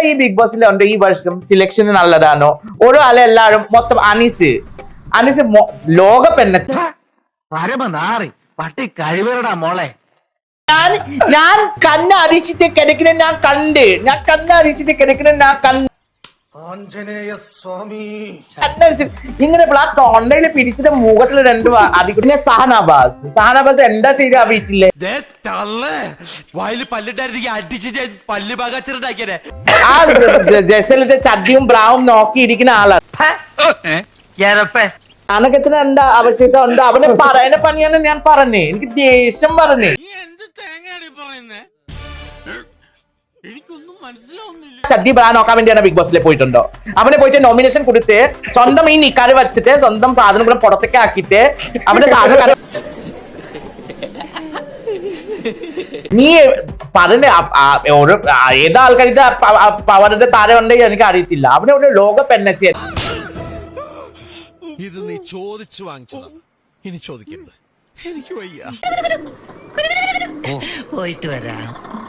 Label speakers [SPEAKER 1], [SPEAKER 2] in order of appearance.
[SPEAKER 1] ഈ ബിഗ് ബോസിലുണ്ട് ഈ വർഷം സെലക്ഷൻ നല്ലതാണോ? ഓരോ എല്ലാരും മൊത്തം അനീസ് ലോക പെണ്ണ
[SPEAKER 2] പട്ടി കഴിവരടാ മോളെ.
[SPEAKER 1] ഞാൻ കണ്ണടിച്ചിട്ട് കിടക്കണ ഞാൻ കണ്ണടിച്ചിട്ട് കിടക്കണ
[SPEAKER 3] ആഞ്ജനേയ സ്വാമി
[SPEAKER 1] ഇങ്ങനെ തൊണ്ടയില് പിരിച്ചിട്ട് മുഖത്തിൽ രണ്ട് അടിക്കുന്ന സഹനാബാസ് എന്താ ചെയ്ത ആ വീട്ടിലെ ആ ജസലിന്റെ ചട്ടിയും ബ്രാവും നോക്കിയിരിക്കുന്ന ആളാണ്. അനക്കത്തിന് എന്താ ആവശ്യത ഉണ്ട് അവനെ പറയുന്ന പണിയാണ് ഞാൻ പറഞ്ഞേ. എനിക്ക് ദേഷ്യം പറഞ്ഞേ. ചട്ടി ബ്രാ നോക്കാൻ വേണ്ടിയാണ് ബിഗ് ബോസിൽ പോയിട്ടുണ്ടോ? അവനെ പോയിട്ട് നോമിനേഷൻ കൊടുത്ത് സ്വന്തം ഈ നിക്കാറ് വെച്ചിട്ട് സ്വന്തം സാധനങ്ങളും പുറത്തേക്ക് ആക്കിയിട്ട് അവന്റെ സാധനം നീ പറഞ്ഞ ഓരോ ഏതാൾക്കാർക്ക് പവറിന്റെ താരം ഉണ്ടെങ്കിൽ എനിക്ക് അറിയത്തില്ല. അവനെ ഒരു ലോക പെണ്ണച്ചേ.
[SPEAKER 4] ഇത് നീ ചോദിച്ചു വാങ്ങിച്ചതാ, ഇനി ചോദിക്കരുത്. എനിക്ക് വയ്യ.
[SPEAKER 2] പോയിട്ട് വരാം.